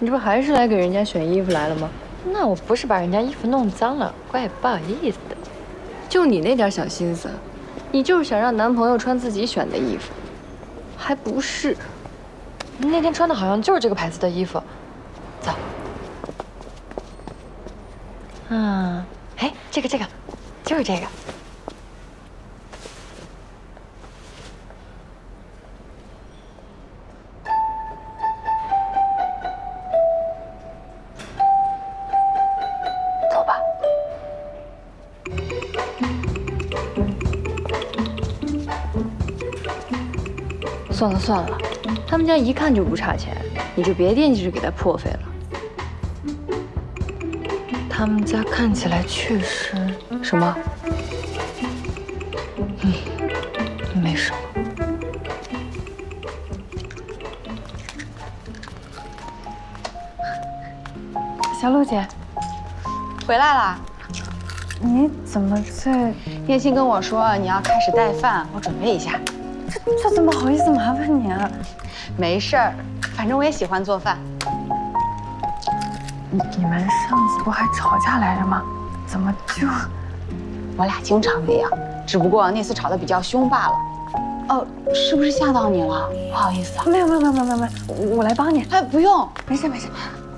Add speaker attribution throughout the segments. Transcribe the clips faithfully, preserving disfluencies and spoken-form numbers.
Speaker 1: 你这不还是来给人家选衣服来了吗？
Speaker 2: 那我不是把人家衣服弄脏了，怪不好意思的。
Speaker 1: 就你那点小心思，你就是想让男朋友穿自己选的衣服，还不是？
Speaker 2: 你那天穿的好像就是这个牌子的衣服。走。嗯，哎，这个这个，就是这个。
Speaker 1: 算了算了，他们家一看就不差钱，你就别惦记着给他破费了。
Speaker 2: 他们家看起来确实……
Speaker 1: 什么？
Speaker 2: 嗯，没什么。
Speaker 3: 小鹿姐，
Speaker 4: 回来啦？
Speaker 3: 你怎么在？
Speaker 4: 叶欣跟我说你要开始带饭，我准备一下。
Speaker 3: 这这怎么好意思麻烦你啊？
Speaker 4: 没事儿，反正我也喜欢做饭。
Speaker 3: 你你们上次不还吵架来着吗？怎么就……
Speaker 4: 我俩经常那样，只不过那次吵得比较凶罢了。哦，是不是吓到你了？不好意思啊。
Speaker 3: 没有没有没有没有没有没有，我我来帮你。
Speaker 4: 哎，不用，
Speaker 3: 没事没事。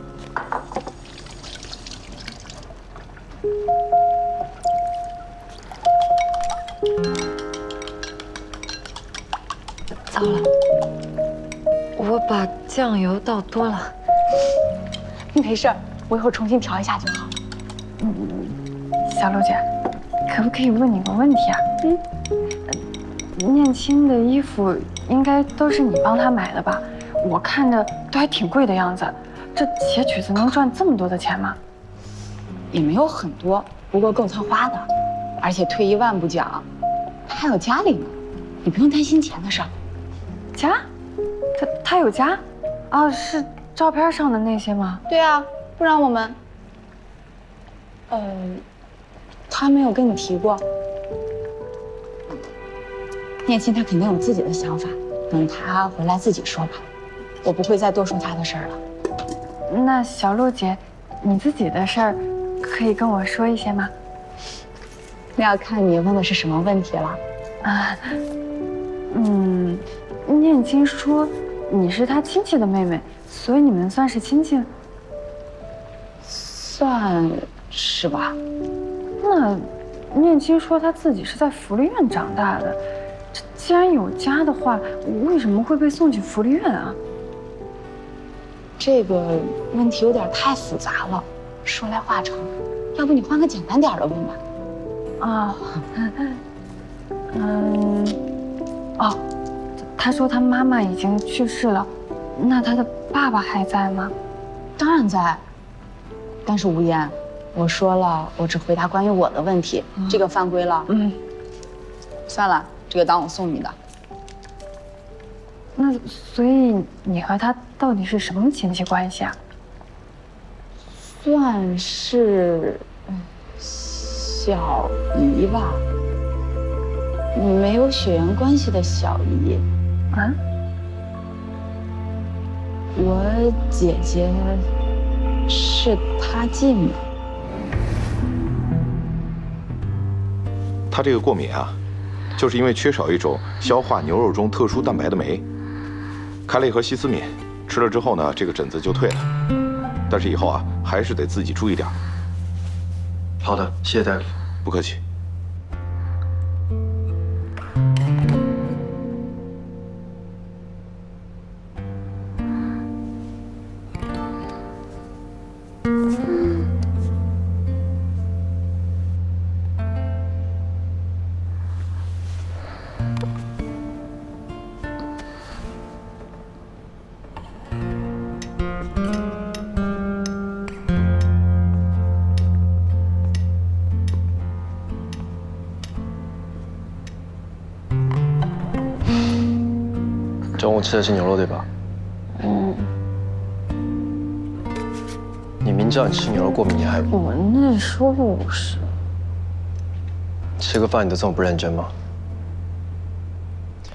Speaker 2: 糟了，我把酱油倒多了。
Speaker 4: 没事儿，我一会儿重新调一下就好。
Speaker 3: 嗯，小鹿姐，可不可以问你个问题啊？嗯，念青的衣服应该都是你帮她买的吧？我看着都还挺贵的样子，这写曲子能赚这么多的钱吗？
Speaker 4: 也没有很多，不过够她花的。而且退一万步讲，她还有家里呢，你不用担心钱的事儿。
Speaker 3: 家，他他有家，啊，是照片上的那些吗？
Speaker 4: 对啊，不然我们，呃，他没有跟你提过。念青他肯定有自己的想法，等他回来自己说吧，我不会再多说他的事儿了。
Speaker 3: 那小鹿姐，你自己的事儿，可以跟我说一些吗？
Speaker 4: 那要看你问的是什么问题了。
Speaker 3: 啊，嗯。 念青说你是他亲戚的妹妹，所以你们算是亲戚？
Speaker 4: 算是吧。
Speaker 3: 那念青说他自己是在福利院长大的，这既然有家的话，为什么会被送去福利院啊？
Speaker 4: 这个问题有点太复杂了，说来话长，要不你换个简单点的问吧。
Speaker 3: 啊，嗯，哦。 他说他妈妈已经去世了，那他的爸爸还在吗？
Speaker 4: 当然在，但是无言，我说了，我只回答关于我的问题，嗯、这个犯规了。嗯，算了，这个当我送你的。
Speaker 3: 那所以你和他到底是什么亲戚关系啊？
Speaker 4: 算是小姨吧，没有血缘关系的小姨。 啊，我姐姐是她继母。
Speaker 5: 她这个过敏啊，就是因为缺少一种消化牛肉中特殊蛋白的酶。开了一盒西司敏，吃了之后呢，这个疹子就退了。但是以后啊，还是得自己注意点。
Speaker 6: 好的，谢谢大夫。
Speaker 5: 不客气。
Speaker 6: 中午吃的是牛肉对吧？嗯。你明知道你吃牛肉过敏，你还……
Speaker 3: 我那时候不是。
Speaker 6: 吃个饭你都这么不认真吗？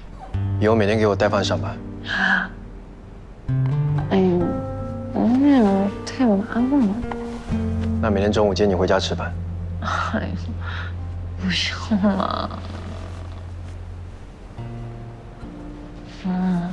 Speaker 6: 以后每天给我带饭上班。
Speaker 3: 啊。哎呦，那用了。
Speaker 6: 那每天中午接你回家吃饭。
Speaker 2: 哎，不用了。嗯。